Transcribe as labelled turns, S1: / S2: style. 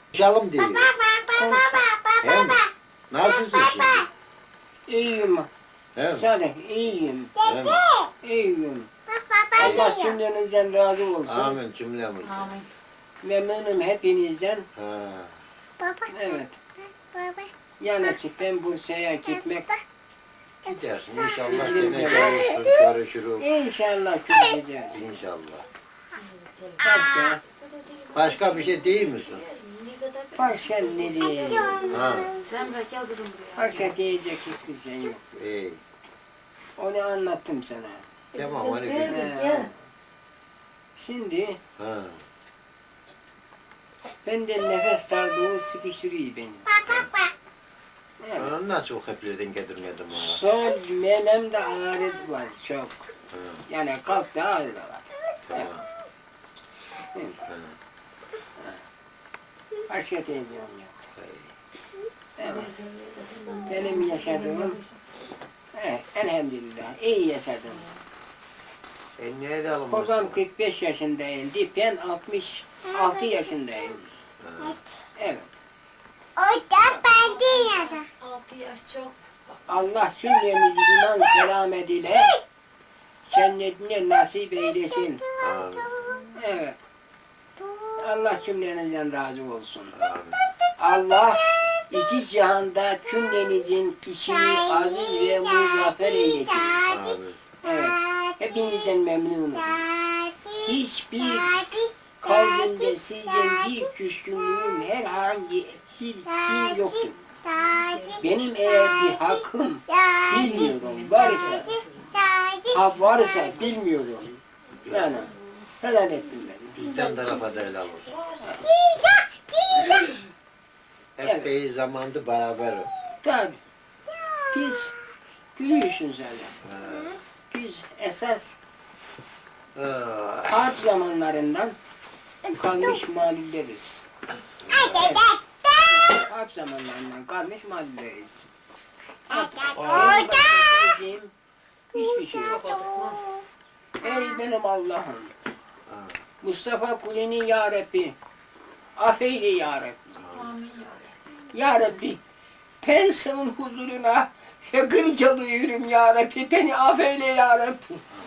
S1: Konuşalım diyor. He mi? Nasılsın şimdi?
S2: İyiyim.
S1: He mi?
S2: Salih, iyiyim.
S1: He mi?
S2: İyiyim. Allah cümlenizden razı olsun.
S1: Amin cümlemiz.
S3: Amin.
S2: Memnunum hepinizden.
S1: Ha.
S2: Evet. Ya nasip ben Bursa'ya gitmek.
S1: Gidersin inşallah yine görüşürüz, görüşürüz.
S2: İnşallah göreceğiz.
S1: İnşallah.
S2: Başka,
S1: Başka bir şey değil misin?
S2: başka ne diyeyim?
S1: Ha.
S3: Sen bırak gel kızım buraya.
S2: Başka diyecek hiçbir şey yoktur.
S1: İyi.
S2: Onu anlattım sana.
S1: Tamam hani
S3: Gel
S1: bir.
S3: kız gel.
S2: Şimdi
S1: Ha.
S2: benden nefes darlığı sıkıştırıyor beni. Evet.
S1: Nasıl o heplerden getirmedim ona?
S2: Sol menemde ağrı var çok.
S1: Ha.
S2: Yani kalpte ağrı da var.
S1: Tamam.
S2: Evet.
S1: Ha.
S2: Başka diyeceğim yok. Evet. Benim yaşadığım, elhamdülillah iyi yaşadım.
S1: Sen ne edelim?
S2: Babam 45 yaşındaydı, ben 66 yaşındayım.
S1: Ha.
S2: Evet.
S3: 6 yaş çok.
S2: Allah cümlemizi iman selamet ile cennetine nasip eylesin.
S1: Amin.
S2: Evet. Allah cümlenizden razı olsun.
S1: Amin.
S2: Allah iki cihanda cümlenizin işini aziz ve muzaffer eylesin.
S1: Amin.
S2: Evet. Hepinizden memnunum. Hiçbir kalbimde sizden bir küskünlüğüm, herhangi bir şey yoktur. Benim eğer bir hakkım bilmiyorum varsa, varsa bilmiyorum. Yani helal ettim ben.
S1: Bizden tarafa da helal olsun.
S2: Evet.
S1: Epey zamandı beraber.
S2: Tabi. Biz biliyorsun zaten.
S1: Ha.
S2: Biz esas
S1: Ha.
S2: harp zamanlarından kalmış mahalleleriz. Harp zamanlarından kalmış mahalleleriz. Bizim hiçbir şey yok. Ey benim Allah'ım.
S1: Ha.
S2: Mustafa Kuli'nin ya Rabbi. Affeyle ya Rabbi.
S3: Amin
S2: Ya Rabbi. Ben senin huzuruna şakır çalıyorum ya Rabbi. Beni affeyle ya Rabbi.